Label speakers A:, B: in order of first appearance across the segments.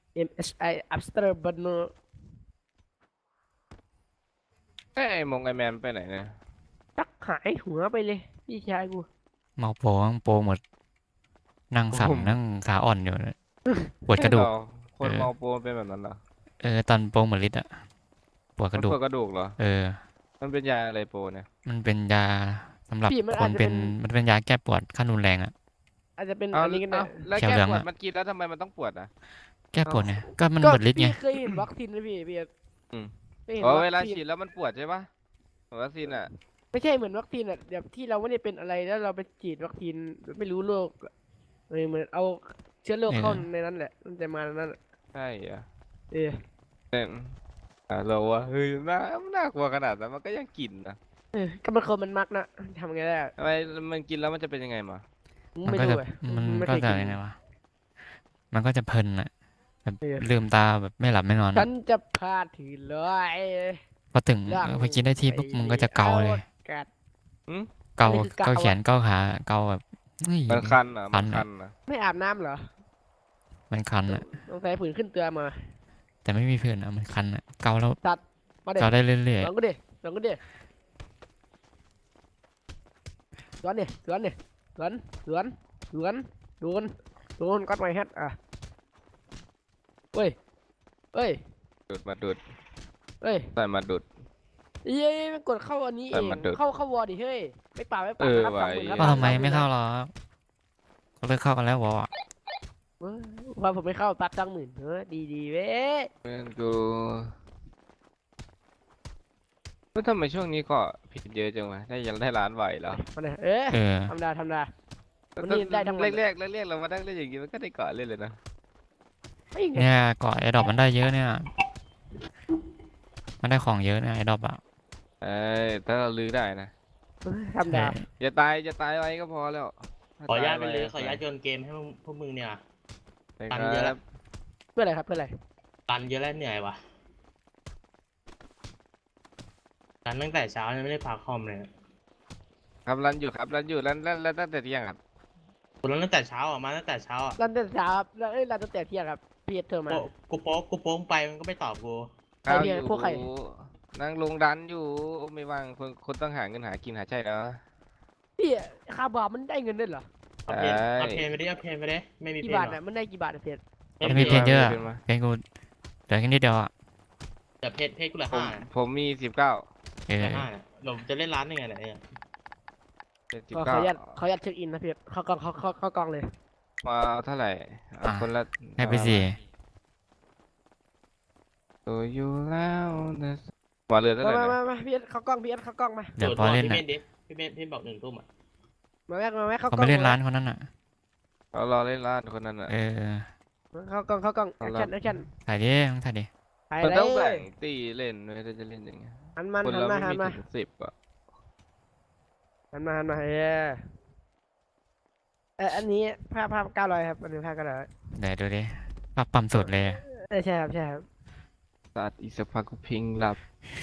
A: MSI After Burner
B: ไอ้มงไอแมนไปไหนเนี่ย
A: ตักหายหัวไปเลยพี่ชายกู
C: เมาโปงโปหมดนั่งสั่น
B: ผม
C: นั่งขาอ่อนอยู่เลยปวดกระดูก
B: ใช่เหรอค
C: เออ
B: นเมาโปรเป็นแบบนั้นเหรอ
C: ตอนโปงหมดฤทธิ์อะปวดกระดูก
B: มันปวดกระดูกเหรอ
C: เออ
B: มันเป็นยาอะไรโปรเนี่ย
C: มันเป็นยาสำหรับ
A: พี่มัน
C: คนเป็น
A: อาจจะเป็น
C: มันเป็นยาแก้ปวดขั้นรุนแรงอะ
A: อาจจะเป็น
B: เอา
A: อันนี้กันได้
B: เอาแล้ว
C: เขียว
B: แก้
C: เหลืองอะ
B: ปวดมันกินแล้วทำไมมันต้องปวดอ่ะ
C: แก้ป
B: เอา
C: วดเนี่ยก็มัน
A: ก็
C: หมดฤทธิ์ไง
A: พี่เคยเห็นวัคซีนไหมพี่
B: อืม
A: เคยเห็น
B: อ๋อ
A: วัคซีน
B: เวลาฉีดแล้วมันปวดใช่ปะวัคซีนอ่ะ
A: ไม่ใช่เหมือนวัคซีนอ่ะแบบที่เราไม่ได้เป็นอะไรแล้วเราไปฉีดวัคซีนไม่รู้โรคเหมือนเอาเชื้อโรคเข้าในนั้นแหละมันจะมาในนั้นอะ
B: ใช่เหรอ
A: เออ
B: เราว่าเฮ้ยน่ากลัวขนาดนั้นมันก็ยังกินนะ
A: ก็มันคนมันมักนะทำไงได้อะ
B: ทำไมมันกินแล้วมันจะเป็นยังไงมา
C: มันก็จะ
A: ไม่รู้อะ
C: มัน
A: ไม่
C: ก็
A: เคยกิน
C: จะยังไงวะมันก็จะเพลินอะแบบ
A: เออ
C: ลืมตาแบบไม่หลับไม่นอน
A: ฉั
C: อะ
A: นจะพาถือเลย
C: พอถึง
A: เรื่อง
C: ไปกินได้ที่ปุ๊บมึงก็จะเกาเลย
A: กัด
B: อืม
A: อัน
C: เกา
A: นี้คือเกา
C: เกาแขน
A: อะ
C: เกาขาเกาแบบเฮ้ย
B: มันคันอ่ะ
C: คันอะ
A: ไม่อาบน้ำเหรอ
C: มันคันอะ
A: ต้องใส่ผื่นขึ้นตัวมา
C: แต่ไม่มีเพื่อนอะมันคันอะเกาแล้ว
A: ตัดมาเด็ด
C: เกาได้เรื่อย
A: ลองก็ดิลองก็ดิสวนเนี่ยสวนเนี่ยสวนสวนสวนโดนโดนกัดไม้แฮทอ่ะเฮ้ยเฮ้ย
B: ดูดมาดูด
A: เฮ้ย
B: ใส่มาดูด
A: เย้ยมันกดเข้าอันนี้เอง
B: มันดูด
A: เข้าวอร์ดิเฮ้ยไม่ป่าไม่ป่าครับ
B: ว่ะ
A: 30,000ครับ
C: ๆก็ทำไม
A: 30,000
C: ไม่เข้าหรอก็เลิกเข้ากันแล้ววะ
A: เว้ยว่าผมไม่เข้าตัด20,000ดีดีเว้ย
B: เพื่อนกูแล้วทำไมช่วงนี้ก็ผิดเยอะจังวะได้ยังได้ล้านไหวแล้ว
A: มาเนี่ย
C: เออ
A: ธรรมดาธรรมดา วันนี้ได้ทั้งวัน
B: แรกเรามานั่งเล่นอย่างงี้มันก็ได้เกาะเล่นเลยนะ
A: ไม่ไง
C: เนี่ยเกาะไอ้ดอกมันได้เยอะเนี่ยมันได้ของเยอะเนี่ยไอ้ดอกอะ
B: เอ้ยถ้าเราลื้อได้นะ
A: ธรรมดา
B: อย่าตายไว้ก็พอแล้ว
D: ขออนุญาตไปเลยขออนุญาตโยนเกมให้พวกมึงเนี่ย
B: ไป
D: ตัน
B: ค
D: เยอะ
B: รั
D: แล้
B: บ
D: ว
A: เพื่ออะไรครับเพื่ออะไร
D: ตันเยอะแล้วเหนื่อยว่ะตันตั้งแต่เช้ายังไม่ได้พักคอมเลย
B: ครับรันอยู่รันตั้งแต่เที่ยงครับ
D: กูรันตั้งแต่เช้าอ่ะมาตั้งแต่เช้าอ่ะ
A: รันแต่เช้าครับแล้วรันตั้งแต่เที่ยงครับพี่เธอมา
D: กูโป๊งไปมันก็ไม่ตอบกู
A: ใครเนี่ยพวกใคร
B: นั่งลงดันอยู่ไม่ว่างคนต้องหาเงินหากินหาใช่แล้ว
A: พี่คาบามันได้เงินด้วยเหรอ
D: เอาเพนเอาเพนไปดิเอาเพนไปดิไม่มี
A: กี่
D: เพน
A: บาท
D: หรอ
A: น่ะมันได้กี่บาทอะเพชร
C: ไม่มีเพนเยอะอะเพนกูเหลือแค่นิดเดียวอะ
D: แต่เพนกูเหลือ
B: ผม
D: 5
B: ผมมี19
C: เออ
D: เหลือ5เนี่ยเราจะเล่นร้านยังไงเนี่ย
B: เป็น
A: ขออนุญาตเช็คอินนะเพชรเข้ากล้องเข้ากล้องเลย
B: มาเท่าไหร่คนละ
C: ให้ไปสี่
B: ตัวอยู่แล้วนะมาเรือเท่าไหร่นะ
A: มาพี่เข้ากล้องพี่เข้ากล้องมา
C: เดี๋ยวพอเล่น
D: พี่
C: อะ
D: เมนดิพี่เมนบอก1 ทุ่มอ่ะ
A: มาแม่เข้า
C: เขา
A: กล้อง
C: ไม่เล่นร้านคนนั้นอะ
B: เรารอเล่นร้านคนนั้นอ่ะ
C: เออ
A: เข้ากล้องแอคชั่น
C: ถ่ายดิมึงถ่ายดิ
A: ถ่าย
B: มัน
A: เล
B: ต้องแบ่
A: ย
B: งตีเล่นด้วยถ้าจะเล่นอย่างเงี้ย
A: หันมัน
B: คน
A: หัน
B: เรา
A: มา
B: ไม่
A: หัน
B: มี
A: มา
B: ถึง10อ่ะ
A: หันมาอันนี้ภาพ900ครับอันนี้ภาพ900
C: เดี๋ยวดูดิภาพปั๊มสุดเลย
A: ใช่ครับใช่ครับ
B: ตัดอีกสักพักก็พิงหลับ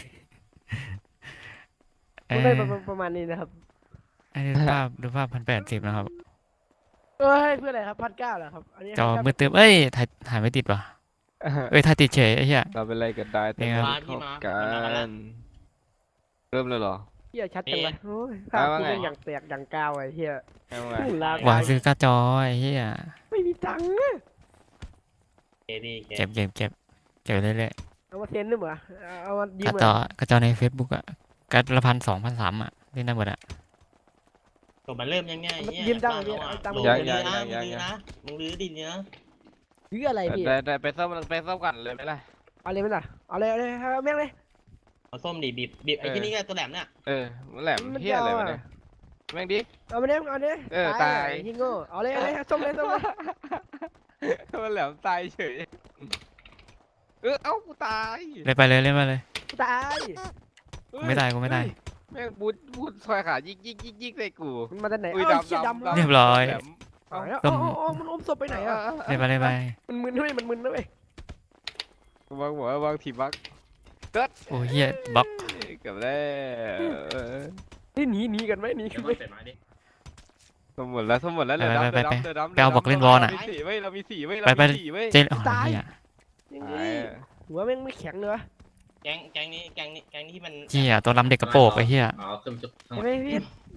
C: เอ
A: ผม
C: อ
A: ได้ประมาณนี้นะครับ
C: ดูภาพ1080นะครับ
A: เอ้ยเพื่ออะไรครับ1,900เหรอครับอันนี้
C: จอมืดตึ๊บเอ้ยถ่ายไม่ติดว่ะเอ้ยถ่ายติดเฉยไอ้เหี้ย
B: เราเป็นอะไรกันได้แต่
C: เนี่ย
B: ไม่เข้ากันเริ่มเลยเหรอ
A: เฮียชัดจังเลยโอ้ยภาพกูเป็นอย่างแตกอย่างกาวไอ้เฮีย
B: เอาไง
C: หวานซื้อการ์ดจอไอ้เหี้ย
A: ไม่มีตังค์อะ
D: เอดี
C: เก็บเรื่อย
A: เอามาเซ็นด้วยเหรอเอามายื
C: ๆการ์
A: ม
C: ดจอการ์ดจอใน Facebook อะการ์ดละ1,000 2,000 3,000อะเล่นได้หมดอะ
D: ตัวมันเริ่มยังไงเนี่ย
A: ยืมตังค์เลยตังค์
D: มึ
A: มาง
D: ลื้อนะมึงลื้อดิเนี่ย
A: ยืมอะไรพี่
B: ได้ไปซ่อมกันเลยไหมล่ะ
A: เอาเลยไหมล่ะเอาเลยเอาแม่งเลย
D: เอาส้มดิบีบไอ้ที่นี่ก็ตัวแหลมเนี่ย
B: มันแหลมเฮี้ยอะไรวะเนี่ยแม่งดิ
A: เอามาเนี้ยเอาเนี้ย
B: ตาย
A: ที่โง่เอาเลยส้มเลย
B: มันแหลมตายเฉยเอ้ากูตาย
C: เล่นไปเลย
A: ตาย
C: กูไม่ได้
B: แม่งบูดซอยขายิกใส่กู
A: มันมาจากไหน
B: อุ้ย
A: เอ้า
B: ดำ
A: เชี่ย
B: ดำ
A: ดำ
C: เรียบร้อย
B: แหลม
A: เอามันอมศพไปไหนอ่ะ
C: เล่นไป
A: มันมึนด้วยมันมึนด้วย
B: วางหัววางทีบัก
C: โอ้เหี้ยบล็อก
B: กับแล้ว
A: นี่หนีกันไหมหนีกันไหม
B: สมหมดแล้วเหลือดำ
C: ไปเอาบอกเล่นวอลน่ะ
B: เรามีสี่เว้ย
C: ไปเจ๊อ๋อเหี้ย
B: หายอะ
A: หัวแม่งไม่แข็งเลยวะ
D: แก๊งนี้ที่มัน
C: เหี้ยตัวลำเด็กกระโปรงไอ้เหี้ย
E: อ๋อขึ้นจุดข้างห
A: ใช่
E: ลัง
A: ไหมพี่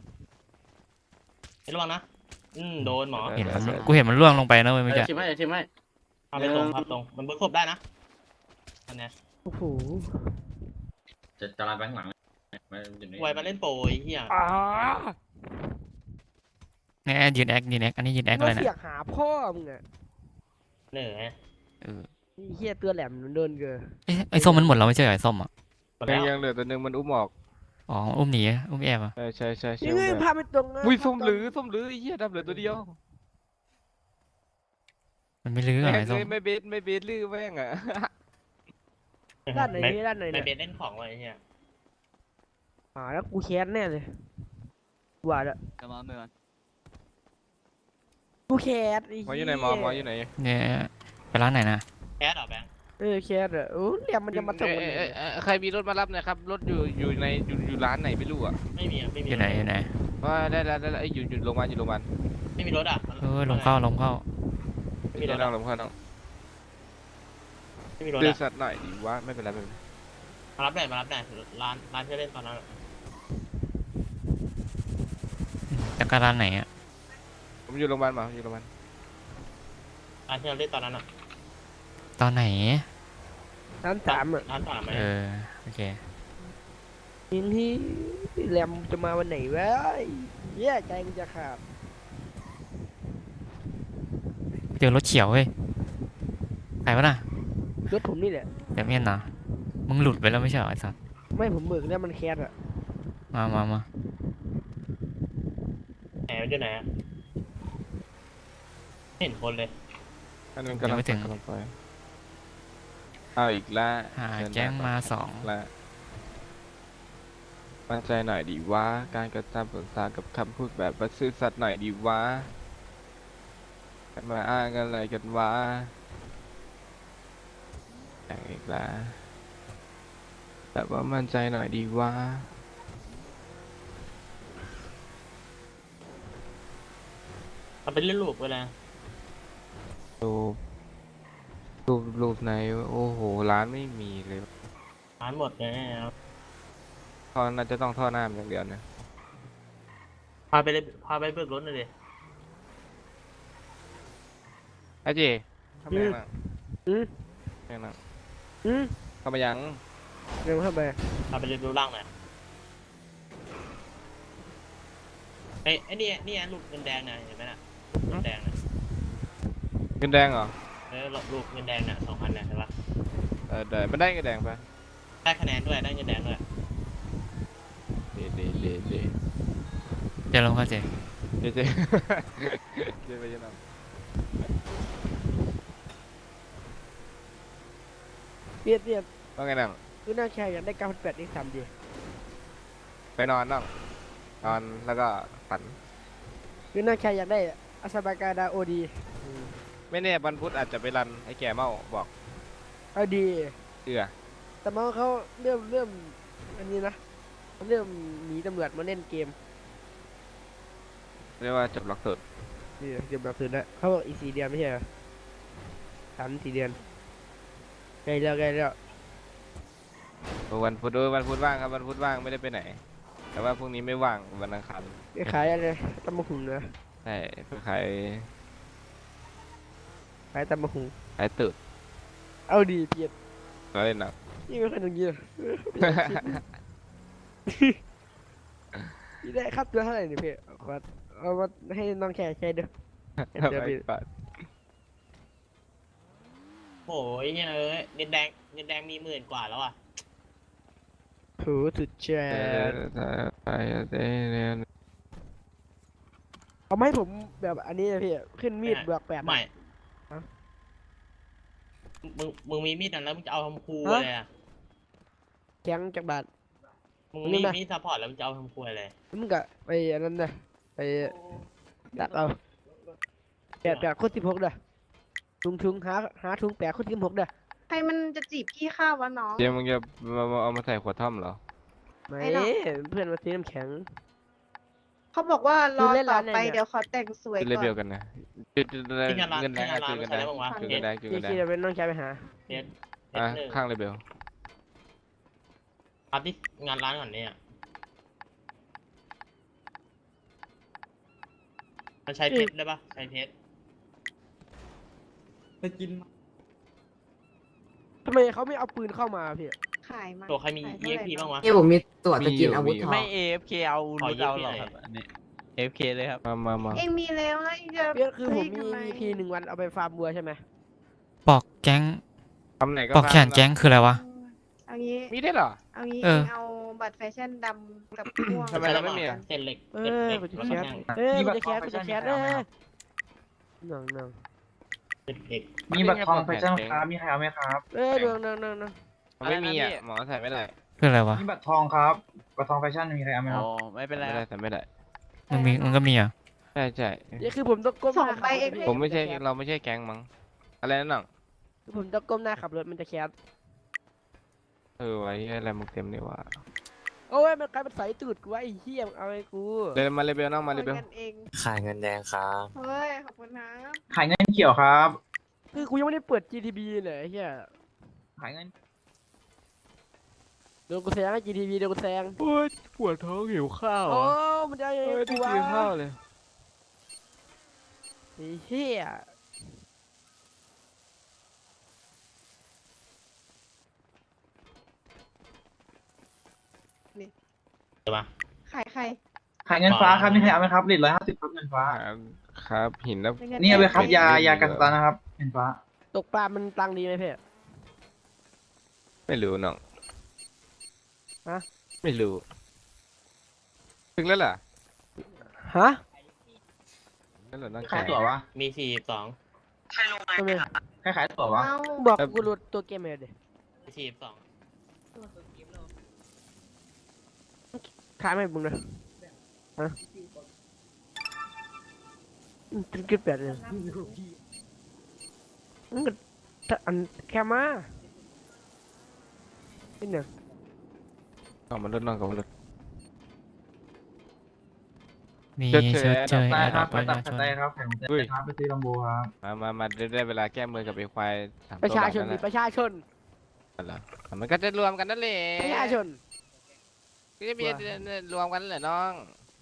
D: ระวังนะโดนหมอ
C: เห็นมันกูเห็นมันล่วงลงไปนะเว้ยเมื่อกี้
E: ชิมให้ชิมให้
D: พาไปตรงครับตรงมันเบิร์กศพได้นะอันเนี้ย
A: โอ้โห
E: จะลายไปข้างหลังมันอยู่ใน
D: ไวมาเล่นโปรไอ้เหี้ย
A: อ่า
C: เนี่ยยืนแอคอันนี้ยืนแอค
A: มา
C: อะไร
A: เสี
C: เนี่ย
A: ยกหาพ่อมึงอะ
D: เหนื่อย
C: เออ
A: ไอ้เหี้ยตัวแหลมมันเดินเกิน
C: เอ๊ะไอ้ส้มมันหมดแล้วไม่ใช่เหรอไอ้ส้มอ่ะ
D: หมดแล้ว
B: ยังเหลือตัวหนึงมันอุ้มออก
C: อ๋ออุ้มหนีอุ้มแอบอ่ะ
B: ใช่ใช่
A: ยังไงพาไปตรงนะ
B: อุ้ยส้มหรือไอ้เหี้ยดับเหลือตัวเดียว
C: มันไม่ลื้อ
B: แม่
C: อ่ะ
B: ง
C: ไอ้ส้ม
B: เลยไม่เบสลื้อแม่งอ่ะ
A: ด้านไหนนี่ด้านไหน
D: ไม่
A: เนี่ย
D: เป็นเล่นของไว้ไอ้เหี้ย
A: แล้วกูแค้นแน่เลยว่าแล้ว
F: จะมาเมื่อ
A: กูแค้นไอ้
B: หมอ
A: เหี้
B: อยู่ไหนหมออยู่ไหน
C: เนี่ยไปร้านไหนนะ
D: แคสเหรอแบงค์
A: แค้นอะโอ้แหลมมันจะมาตรงไหน
B: ใครมีรถมารับหนะครับรถอยู่ในอยู่ร้านไหนไม่รู้อ่ะ
D: ไม่มี
C: อยู่ไหนอยู่ไหน
B: ว่าได้แล้วไอ้ยอยู่โรงพยาบาล
D: ไม่มีรถอ่ะ
C: เออลงเข้า
D: ไม่มีรถ
B: นั่
D: อ่ะ
B: งลงข้างนอก
D: ไม่มีรถ
B: ดื้อ
D: อ่ะ
B: สัตว์หน่อยดีว่าไม่เป็นไร
D: มารับหน่อยร้านที่เล่นตอนนั้น
C: แต่ก็ร้านไหนอ่ะ
B: ผมอยู่โรงพยาบาลมาอยู่โรงพยาบาล
D: ร้านที่เราเล่นตอนนั้นอ่ะ
C: ตอนไหน
A: ร้านสามอะ
D: ร้านสามไหม
C: เออโอเค
A: ยิงที่แหลมจะมาวันไหนวะเหี้ยใจกูจะขาด
C: เจอรถเขียวเว้ยใครวะน่ะ
A: รถผมนี่แหละ
C: เดี๋ยวเมียนนะมึงหลุดไปแล้วไม่ใช่เหรอไอ้สัส
A: ไม่ผมเบิกแล้วมันแค้นอะ
C: มา
D: ไหนมันอยู่ไหนอ่ะไม่เห็นคนเลย
B: อันนั้นกำลังไปเอาอีกแล้ว
C: หาแจ้งมาสอง
B: แล้วมั่นใจหน่อยดีว่าการกระทำผลสากับคำพูดแบบว่าซื่อสัตย์หน่อยดีว่ามาอ้างอะไรกันวะอย่างอีกแล้วแบบว่ามั่นใจหน่อยดีว่า
D: เอาเป็นเล่นลูกไปเลย
B: รูปไหนโอ้โหร้านไม่มีเลย
D: ร้านหมดเลยครับ
B: ท่อน่าจะต้องท่อน้ำอย่างเดียวนะ
D: พาไปเบิกรถหน่อยดิ
B: ไอ้เจเข้ามายัง
A: อืม
B: นั่ง
A: อืม
B: เข้ามายัง
A: เร็วเข้าไป
D: พาไปเรียนรู้ร่างหน่อยไอ้นี่ลูกเงินแดงนะเห็นไหมน่ะเงินแดงนะ
B: เงินแดงเหรอ
D: ลูกเงินแดงน่ะ2,000เนี่ยเห็นปะ
B: ได้มันได้เงินแดงปะ
D: ได้คะแนนด้วยได้เงินแดงด้วย
B: เด
C: เดี๋ยวลงเข้าเจ
B: เจเจเจไปยังไง
A: เปียดเปียด
B: ว่าไงนั่ง
A: คือหน้าแค่อยากได้9,800อีก3 ดี
B: ไปนอนนั่งนอนแล้วก็ฝัน
A: คือหน้าแค่อยากได้อาซาบากาดาโอดี
B: ไม่แน่วันพุธอาจจะไปรันไอ้แก่เมาบอก
A: เอาดี
B: เชื่อ
A: แต่มาเขาเริ่มอันนี้นะเริ่มหนีตำรวจมาเล่นเกม
B: เรียกว่าจบหลักสูตร
A: นี่เกมแบบคืนแล้วเขาบอกอีก4 เดือนไม่ใช่เหรอ3-4 เดือนใกล้แล้ว
B: วันพุธว่างครับวันพุธว่างไม่ได้ไปไหน แต่ว่าพรุ่งนี้ไม่ว่างวันอังคาร
A: ไปขายอะไรตำมะหุงนะ
B: ใช่ไปขาย
A: ขายตำมะหุง
B: ขายตืด
A: เอาดีเปียด
B: แล้วเล่นหนัก
A: นี่ไม่ค่อยตรงนี้พี่ได้ค่าตัวเท่าไหร่เนี่ยพี่ขอเอามาให้น้องแค่ใช้ด้วยเดี๋ยวพี่
D: โอ้ยเนี่ยเงินแดงมี10,000 กว่าแล้วอ่ะ
A: ถูสุดแชร์เอาไหมาให้ผมแบบอันนี้นะพี่ขึ้นมีดบวก8
D: ไม่มึงมีมีดนั้นแล้วมึงจะเอาทำครูเลยอ่ะ
A: แข็งจากบาท
D: มึงมีมีดซัพพอร์ตแล้วมึงจะเอาทำครูอะไร
A: มึงก็ไปอันนั้นนะไปดักเอา8 คูณ 16เด้อถุงหาถุง8 คูณ 16เด้อ
G: ใครมันจะจีบพี่ข้าววะน้อง
B: เดี๋ยวมึงจะเอามาใส่ขวดท่อมเหรอ
A: ไม่
G: ไอ้ดอก
A: เพื่อนมาซื้อน้ำแข็ง
G: เขาบอกว่ารอ
A: เล่น
G: ต่
A: ร้า
G: อน
A: ไหน
G: ไป
A: เนี่ย
G: เดี๋ยวขอแต่งสวย
B: เล
G: ก่อ
B: เวล
G: น
B: กันนะจุด
D: ที่งานร้าน
B: เงินแด
D: ที่
B: ง
D: งานร้าน
B: จุด
D: ไม่
B: เงิน
D: ใช่
B: แดง
D: แล้วมั้งวะ
B: จุด
D: เพ
B: เงินแด
D: ช
B: งจุด
A: เจ
B: เงินแด
A: คี
B: ง
A: เดี๋ยวเป็นน้องชายไปหา
D: เพชร
B: อ่ะ
D: หนึ่ง
B: ข้างเลเวล
D: อัพที่งานร้านก่อนเนี่ยมันใช้เพชรได้ปะใช้เพชร
E: ไปกิน
A: ทำไมเขาไม่เอาปืนเข้ามาพี่
G: ขายมา
D: ตัวใครมี
G: ขายเท่าไหร่
D: EXP บ้างวะ
F: นี่ผมมีตั๋วจะกินอาวุธทอง
H: ไม่ AFK เอา
D: ขอ
H: รูด
D: ยืม
H: เอา
D: พี่
H: หร
D: หน่
H: อ
D: อย
H: ครับอันนี้ AFK เลยครับ
B: มา
G: เองมีแล้วแล้วเองจะ
A: พี่คือผม
G: ให้
A: มี
G: ทำไ
A: EP 1 วันเอาไปฟาร์มบัวใช่ไหม
C: ปอกแก๊ง
B: ทำไหนก็
C: ปอกแขนแก๊งคืออะไรวะ
G: เอางี้
B: มีได้เหรอ
G: เอางี้
C: เออ
G: เองเอาบัตรแฟชั่นดำกับม่วง
B: ทำไมเราไม่มีอะ
D: เส้นเหล็ก
A: เอ
D: เส้น
A: อ
D: เหล็ก
A: กูจะ
D: แล้ว
A: แค
D: ก็
A: ส
D: แท่ง
A: กูจะแคสกูจะแคสหนัง
D: เส้นเหล็ก
E: มีบัตรทองแฟชั่นครับมีใครเอาไหมครับ
A: หนัง
B: มันไม่มีอ่ะหมอใส่ไม่ได้
C: คืออะไรวะ
E: มีบัตรทองครับบัตรทองแฟชั่นมีใครเอาไหมค
H: อ๋
E: รับ
H: อ ไม่เป็นไร
B: ไม่
H: ค
B: ได้
H: รับ
B: ใส่ไม่ได้
C: มันก็มีอ่ะ
B: ใช่ใช่
A: นี่คือผมต้องก้มห
G: ส่ง
A: น้า
G: ไป
A: ขับรถ
G: เอง
A: พี่
B: ผมไม่ใช่เราไม่ใช่แก๊งมั้งอะไรนั่นน่ะ
A: คือผมต้องก้มหน้าขับรถมันจะแคส
B: ไว้อะไรมึงเต็มนี่วะ
A: โอ้ยมันกลายเป็นสายตูดกูวะไอ้เหี้ยมึงเอาไอ้กู
B: เดินมาเลเวลน้องมาเลเวล
G: กันเอง
F: ขายเงินแดงครับ
G: เฮ้ยขอบคุณนะ
E: ขายเงินเขียวครับ
A: คือกูยังไม่ได้เปิด GTB เลยไอ้เหี้ย
E: ขายเงิน
A: โดนกูแซงให้ GTB โดนกูแซง
B: โอ้ยปวดท้องหิวข้าว
A: โอ้มันจะยังไง
B: ไม่
A: กู
B: ได้
A: วะ
B: กินข้าวเลย
A: ไอ้เหี้ย
D: ใช่ปะ
G: ขายใคร
E: ขายเงินฟ้าครับมีใครเอาไหมครับ150ครับเงินฟ้า
B: ครับหินแล้ว
G: เป็นเงิ
E: นี่เอาไปครับ
B: ไม่
E: ยากันสตาร์นะครับเงินฟ้า
A: ตกปลามันตังค์ดีไหมเพ่
B: ไม่รู้น้อง
A: ฮะ
B: ไม่รู้ถึงแล้วเหรอ
A: ฮะ
B: นั่นเหรอน้อง
E: ขายตั๋ววะ
D: มี42
A: ทำไม
E: ใครขายตั๋ววะ
G: เอา
A: บอกกูหลุดตัวเกมเลยดิ
D: มี42
A: ขายไม่มึงเลยฮะตึ้งกึดแบบเลยมันก็ถ้าอันแค่มาเป็นหนึ่ง
B: เอามันลดน้องกับมันลด
C: มี
B: เจอ
C: เจอเจอ
E: ได้
C: แอด
E: ค
C: ด
E: รั
C: อบ ป
E: ไป
C: ประ
E: ตั
C: ชา
E: ด
C: ชน
E: ได้ครับแข่งเต้นครับไปซื้อลำโบครับ
B: มาได้เวลาแก้มือกับไอ้ควายสาม
A: ประ
B: ตัว
A: ชา
B: บาท
A: ชน
B: นั่น
A: ดิ
B: แหละ
A: ประชาชน
B: นั่นแหละมันก็จะรวมกันนั่นแหละ
A: ประชาชน
B: ก็จะมีรวมกันนั่นแหละน้อง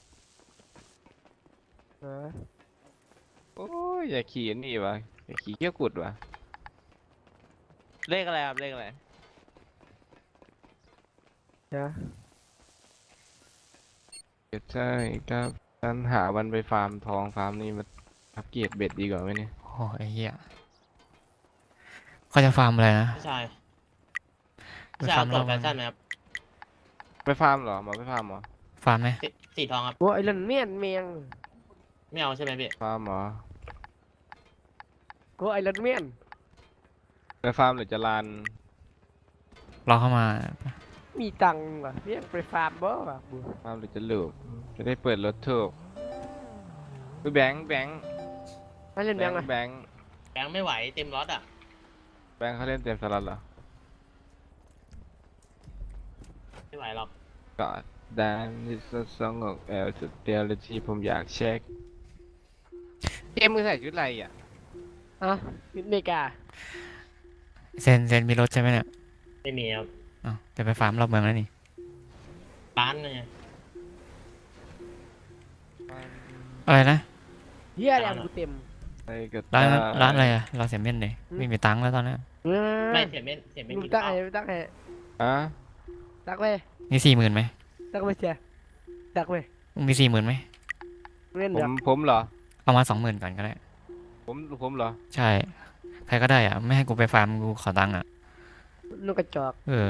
A: เออ
B: โอ้ยอย่าขี่อันนี่วะอย่าขี่เกี้ยวกุดวะ
H: เลขอะไรครับ เลขอะไร
A: เดี๋ยว
B: ใช่ครับฉันหาวันไปฟาร์มทองฟาร์มนี่มาอัปเกรดเบ็ดดีกว่าไหมเนี่ย
C: โอ้ยไอ้เหี้ยเขาจะฟาร์มอะไรนะ
D: พี่ชาย
C: ไป
D: พี่ชาย
C: ฟาร์
D: เอา
C: ม
D: ตัว
C: เรา
D: แฟชั่นไหมครับ
B: ไปฟาร์มเหรอหมอไปฟาร์มเหรอ
C: ฟาร์มไหม
D: สีทองครับ
A: โอ้ยไอ้เรื่องเมียนเมียง
D: ไม่เอาใช่ไหมพี่
B: ฟาร์มเหรอ
A: โอ้ยไอ้เรื่องเมียน
B: ไปฟาร์มหรือจะลาน
C: รอเข้ามา
A: มีตังค์ว่ะเรียกไปฟาร์มบ่ว่ะกู
B: ฟาร์มหรือจะลูกจะได้เปิดรถถูกไปแบงค์
A: ให้เล่นแบงค์
B: แบ
A: อ่ะ
B: งค์แบงค์
D: แบงค์ไม่ไหวเต็มรถอ่ะ
B: แบงค์เขาเล่นเต็มสล็อตเหรอ
D: ไม่ไหวหรอก
B: ก็ได้ที่สองของแอลสุดเดียวเลยที่ผมอยากเช็คเอ็มมึงใส่ชุดอะไรอ่ะ
A: อ่ะอเมริกา
C: เซนมีรถใช่ไหมเนี่ย
D: ไม่มีครับ
C: อ้าวจะไปฟาร์มรอบเมืองแล้วนี่
D: ร้านเนี่ย
C: อะไรนะ
A: เฮียแรงกูเต็ม
B: ไอ้กระ
C: ร้าน
B: ต่าย
C: ร้านอะไรอะร้านเสียเม่นเลย
A: อืม
C: ไม่มีตังค์แล้วตอนนี้
A: เออ
D: ไม่เสียเม่นกิ
A: มึง
D: น
A: ตั้ง
D: ข้าว
A: ให้ตั้งให้
B: อ่ะ
A: ตั้งไป
C: มี40,000ไหม
A: ตั้งไปเชียตั้งไป
C: มึงมี40,000ไหม
A: เล่น
B: ผ
A: เดี๋ยว
B: ผมเหรอ
C: เอามา20,000ก่อนก็ได้
B: ผมเหรอ
C: ใช่ ใครก็ได้อ่ะ ไม่ให้กูไปฟาร์มกูขอตังค์อ่ะ
A: นกกระจอก
C: เออ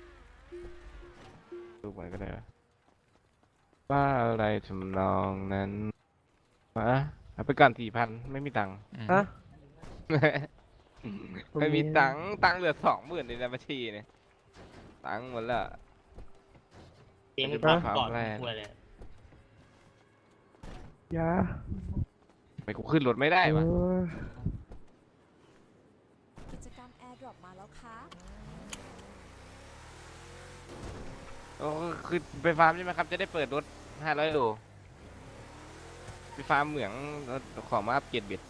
B: ดูไปก็ได้วะว่าอะไรทำนองนั้นมาเอาไปก่อน4,000ไม่มีตังค์
A: ฮะ
B: ไม่มีตังค์เหลือ20,000ในบัญชีเนี่ยตังค์หมดละ
D: เตรียม
B: จะ
D: ก่อน
B: ไปฟาร์ม
D: ก่อน
B: แรก
D: คุยเลย
A: ยา
B: ไปกูขึ้นรถไม่ได้วะ
I: กิจกรรมแอร์ดรอปมาแล้วค่ะ
B: โอ้คือไปฟาร์มใช่ไหมครับจะได้เปิดรถ500 โลไปฟาร์มเหมืองแล้วของมาอัปเกรดเบ็ด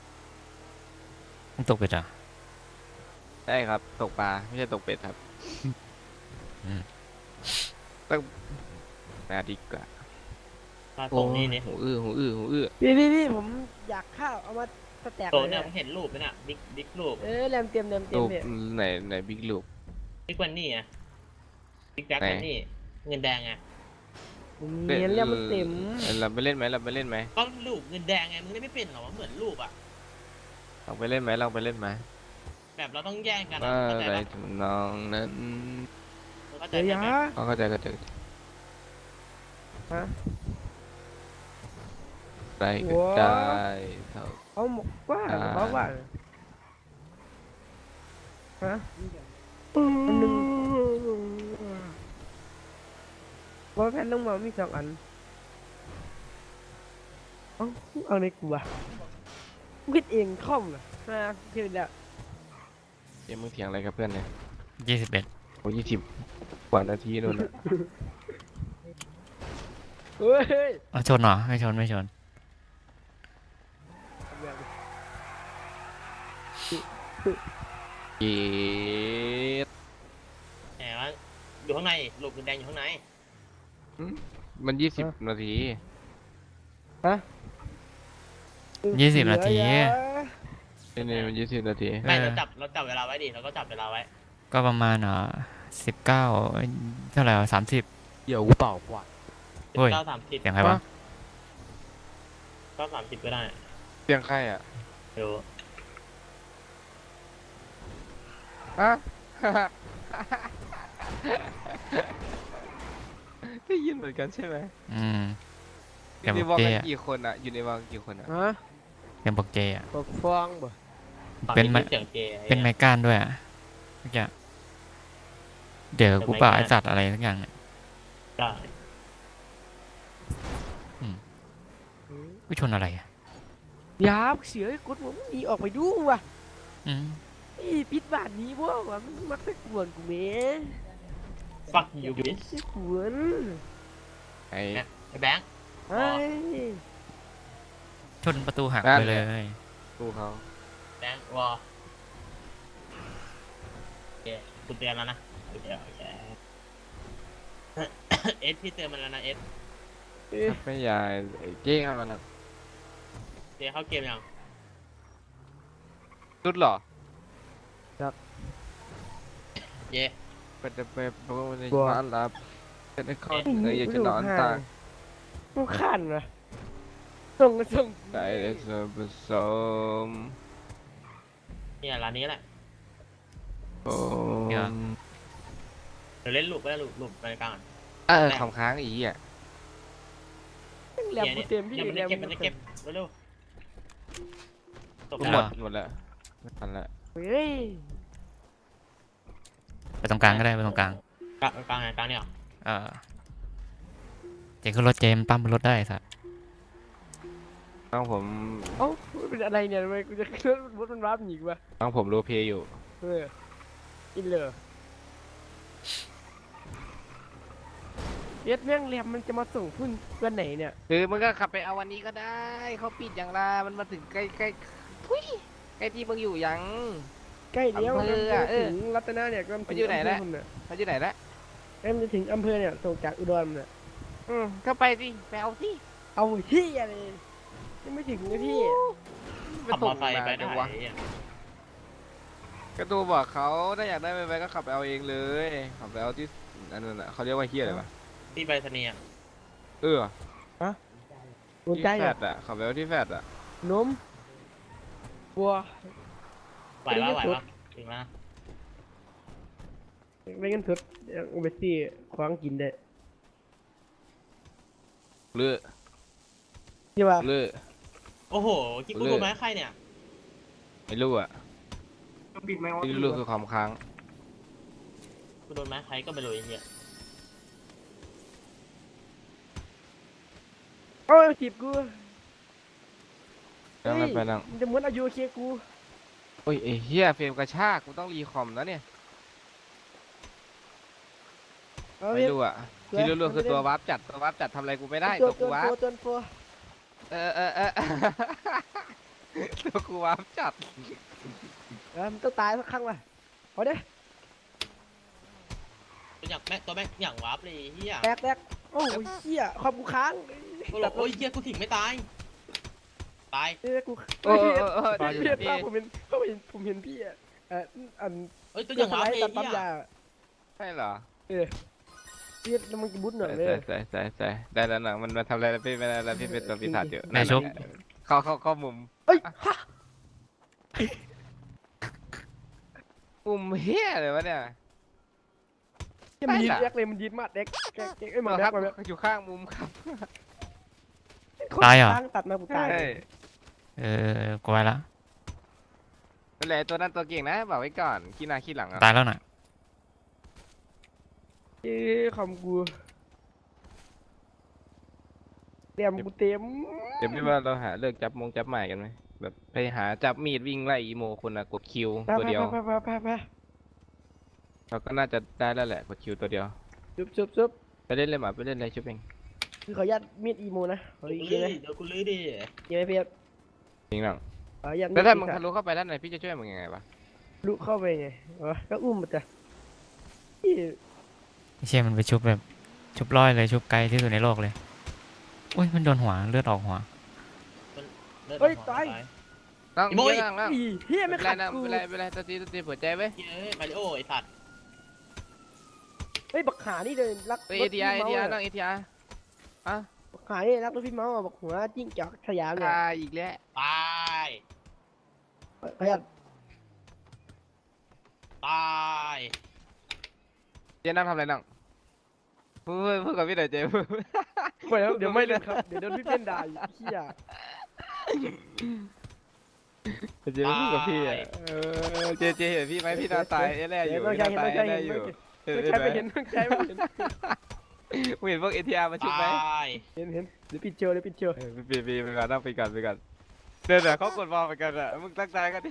C: ต้องตกไปจ้ะ
B: ได้ครับตกปลาไม่ใช่ตกเป็ดครับ
C: อืม
B: ต้องนาดีกว่า
D: มาตรงนี้นี่
B: หูอื้อ
A: พี่ผมอยากข้าวเอามาสแต็ก
D: โต
A: เลย
D: เนี่ย
A: นะ
D: ผมเห็นรูปไหมน่ะบิ๊กรูป
A: แรมเต็ม
B: รูป
A: เนี่ย
B: ไหนบิ๊กรูป
D: บิ๊กวันนี่อ่ะบิ๊กแบ็ค
B: ไหน
D: วันนี่เงินแดงไง
A: ผมเนียนแล้วมันเต็ม
B: เราไปเล่นไหม
D: ก็รูปเงินแดงไงมึงเล่นไม่เป็นหรอวะเหมือนรูปอ่ะ
B: ลองไปเล่นไหม
D: แบบเราต้องแย่งกันอะ
B: ว่า
D: เข้าใจ
B: อะไร
D: ปะ
B: ทำนองนั้น
D: เข้าใจ
A: เดี๋ยว
D: ไหม
A: ยะ
B: เข้าใจ
A: ฮะ
B: ไรก็ได้เท่า
A: เอาหมกว่า
B: อ่า
A: บอกว่าฮะอันหนึ่งว่าแผ่นลงมามี2 อันเอาในกูอะกูคิดเองคอมนะคิดแล้ว
B: เดี๋ยวมึงเถียงอะไรกับเพื่อนเนี่ย
C: 21
B: โอ้20 กว่านาทีนู่นน่ะ
A: เฮ้ย
C: เอาชนเหรอไม่ชน
B: เย็ด
D: แหมว่าอยู่ข้างในรูปเงินแดงอยู่ข้างใน
B: มัน20 นาที
C: 20 นาที
B: นี่มัน20 นาที
D: ไม่
C: เออ
D: เราจับเวลาไว้ดิเราก็จับเวลาไว้
C: ก็ประมาณ19เท่าไหร่30
B: เดี๋ยวกูเป่ากว่า
C: เฮ้ย
D: 9:30
C: เสียงใครวะ
D: 9:30ก็ได้
B: เสียงใครอ่ะ
D: เดี๋ยว
B: ฮะ ได้ยินเหมือนกันใช่ไหม
C: อืม
B: อ
C: เสียง
B: ยู่ใน
C: บ
B: วั
C: อง กเจ
B: กัน
C: อะ
B: กี่คนอ่ะ อยู่ในวังกี่คนอ่ะ
A: ฮะ
C: เสียงบอกเจอะ
A: ปกฟองบ่
D: ฝั่ง
C: เป็น
D: นี้
C: ไม
D: เสียงเจ
C: เป็นไมก้านด้วยอะเมื่อกี้เดี๋ยวกูป่าไอสัตว์อะไรสักอย่างเนี่ย
D: ได้
C: กูชนอะไรอะ
A: ยาบเสือให้กดผมหนีออกไปดูว่ะ
C: อืม
A: อีปิดบ้านนี้บ่ว่ะมันมักจะกวนกูแหม่
D: ฟักยูบิส
A: จะกวน
B: ไอ้
D: ไอ้แบงค์
A: ไอ้
C: ชนประตูหัก
B: นั่น
C: ไป
B: แห
C: เล
B: ละ
C: ย
B: กูเขา
D: แบงค์วอโอเคกูเตือนแล้วนะโอเคเอสพี่เตือนมันแล้วนะเอส
B: ไม่ยายไอ้เจ๊เข้ามานะ
D: เจเข้าเกมยัง
B: รุดเหรอ
D: เย่
B: เป็นจะไปเพราะว่าในบ้านรับเป็นไอ้ข้ออยากจะนอนตาก
A: กูขันว่ะส่ง
B: ใจได้ส่วนผสม
D: เนี่ยร้านนี้แหละ
B: โอ้
C: เดี๋ยว
D: เดี๋ยวเล่นลูกก็ได้ลูกไปกลาง
B: ของค้างอีอ่ะ
A: แหลมกูเต็มที่
D: เนี่ยมัน
A: แหล
D: จะ
A: ม
D: เก็บมันจะเก็บเร็วตก
B: ห
D: แล้
B: ม
D: ว
B: ดแล้วไม่ทันละ
A: เฮ้ย
C: ไปตรงกลางก็ได้ไปตรงกลาง
D: กลางเนี่ย
C: เออเจขึ้นรถเจมปั๊มบนรถได้สัตว์
B: น้องผม
A: เอ้าเป็นอะไรเนี่ยทำไมกูจะขึ้นรถมันวาร์ปหนีกูวะ
B: น้องผมโรลเพลย์อยู่
A: อินเลยเอ็ดแม่งแหลมมันจะมาส่งพุ่นวันไหนเนี่ย
B: คือมึงก็ขับไปเอาวันนี้ก็ได้เขาปิดอย่างไรมันมาถึงใกล้ใกล้ทุยใกล้ที่มึงอยู่ยัง
A: ใกล้เลี้ยว
B: อำเภออะ
A: ถึงรัตนาเนี่ยก็
B: มันอยู่ไหนละ เขาอยู่ไหนละ
A: เอ็มจะถึงอำเภอเนี่ยส่งจากอุดรเนี่ย
B: ก็ไปสิไปเอาสิ
A: เอาที่อะไรยังไม่ถึงเลยพี่
B: ไป
D: ขับม
B: ส่
D: อง ไซค์ไป
B: มา
D: ได้
B: จังวะก็ตัวบอกเขาถ้าอยากได้ไปก็ขับไปเอาเองเลยขับไปเอาที่อันนั้นน่ะเขาเรียกว่าเฮียอะไรวะ
D: ที่ไปสนีย์
A: หัว
B: ที่
A: ใจ
B: แฟ
A: อ่ะ
B: ดอ่ะขับไปเอาที่แฟดอ่ะ
A: นมบัว
D: ไหวปะถึงแล้ว
A: ไม่งั้นเถิดอุเบซี่คว้างกินได้
B: เลือ
A: ใช่ป่ะ
B: เลือ
D: โอ้โหคิดกูโดนไม้ใครเนี่ย
B: ไม่รู้อ่ะที่รู้คือความค้าง
D: กูโดนไม้ใครก็ไม่รู้ไอ้เหี้ย
A: โอ้ยจีบกู
B: นั่งไม่ไปนั่ง
A: มันจะเหมือนอายุเคกู
B: โอ้ยไอ้เฮียเฟรมกระชากกูต้องรีคอมนะเนี่ย
A: เอา
B: ไม่
A: เว้ย
B: รู้อ่ะที่รู้ๆคือตัววาร์ปจัดทำอะไรกูไม่ได้
A: ตั
B: ตัว วกูวาร์ป
A: ตัว
B: ตัวกูว้ามจัด
A: มันต้องตายสักครั้งว่ะเอาเด้
D: ตัวอย่างแม่ตัวแม่งอย่างวาร์ปเลยไอ้เฮีย
A: แตกโอ้ยเหี้ยความกูค้าง
D: โอ้ยเฮียกูถึงไม่ตายตาย
A: กู
B: โอ้
A: พี่
B: อยู่
A: พี่
B: พี่
A: ผมเห็นพี่อ่ะอัน
D: เอ้ยตัวอย่างวาร์ปเลย
A: ตัดปั๊
D: เฮี
A: ม
D: ย
A: ยา
B: ใช่เหรอ
A: พี่แล้วมันจะบุญหน่อยเลย
B: ใส่ได้แล้วหนังมันมาทำอะไรแล้วพี่ไม่ได้แล้วพี่เป็นตัวปีศาจอยู่
C: ในชุบ
B: เข้ามุม
A: เอ้ยฮะ
B: มุมเฮียเลยวะเนี่ย
A: มันยินเอ็กเลยมันยินมาดเอ็กไอ้หมา
B: ค
A: แม็
B: รั
A: ก
B: บ
A: มาแม็ก
B: อยู่ข้างมุมครับ
C: ตายเหรอ
A: ตัดมากูตาย
C: กูไปละ
B: นั่นแหละตัวนั้นตัวเก่งนะบอกไว้ก่อนขี้หน้าขี้หลังอ่ะ
C: ตายแล้วน่ะ
A: คำกูเตรียมกูเต็ม
B: เดี๋ยวพี่ว่าเราหาเลิกจับใหม่กันไหมแบบไปหาจับมีดวิ่งไล่อีโมคนน่ะกดคิวตัวเดียว
A: ไป
B: เราก็น่าจะได้แล้วแหละกดคิวตัวเดียว
A: จุบ
B: ไปเล่นเลยหมาไปเล่นเลยชุบเอง
A: คือขออนุญาตมีดอีโมนะขออีกทีนะ
D: เดี๋ยวกูลื้อดิ
A: ยังไม่เพียบ
B: จริงหรอ
A: ขออนุญาต
B: แล้วถ้ามึงทะลุเข้าไปด้านในพี่จะช่วยมึงยังไงวะ
A: ลุเข้าไปไงก็อุ้มมันจะ
C: ไม่ใช่มันไปชุบแบบชุบร้อยเลยชุบไกลที่สุดในโลกเลยอุ้ยมันโดนหัวเลือดออกหัว
B: นั่ง
D: อีโมย
B: นั่ง
A: เฮีย
B: ไม่
A: ไม่
B: เป็นไร
A: ขัด
B: นะ
A: กู
B: ไม่เป็นไรตัวตีหัวใจไว้
D: เฮ้ยมาริโอไอ้สัตว์
A: เฮ้ยบักขานี่เลยรัก
B: เอทีอาร์นั่งเอทีอาร์
A: บักขานี่รักรถพี่เมาส์บักหัวจิ้งจอกสยามเนี่ย
B: ตายอีกแล้ว
D: ตาย
A: ขออนุญาต
D: ตาย
B: เจ๊นั่งทำอะไรนั่งพูดกับพี่หน่อยเจ๊
A: ไปแล้วเดี๋ยวไม่เลยครับเดี๋ยวโดนพี่เป็นด่าอีกเฮีย
B: เจ๊พูดกับพี่อ่ะเจ๊เห็นพี่ไหมพี่นอนตายแน่อยู่
A: ต้อง
B: พี่
A: ใช้
B: นอน
A: เห็น
B: ตาย
A: ต้องใช้
B: แน่
A: เห็น
B: อยู่
A: ต้องใช้ไปเห็นต้องใช้ไปเห็น
B: มึงเห็นพวกเอทีอาร์มาชุบไหม
D: ตาย
A: เห็นเดี๋ยวปิดเจอเดี๋ยวปิดเจอ
B: ปีไปก่อนนั่งไปก่อนเดี๋ยวเขากดบอลไปกันอ่ะมึงตั้งใจกันดิ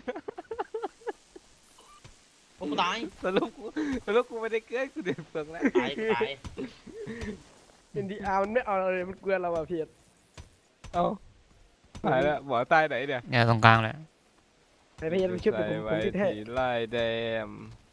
D: พวกกูตาย
B: สรุปกูไม่ได้เกลือกูเดือดเฟืองแล้ว
D: ตายกูตาย
A: เป็นดีอาร์มันไม่เอาเลยมันเกลือเราอะเพียร
B: เอ้าหายแล้วหมอตายไหนเนี่ย
C: เนี่ยตรงกลางเลย
A: ไอ้เพียรมันชุบ
B: ใส่
A: ผม
B: ไว้
A: ชุดให้
B: ที่ไล่แดม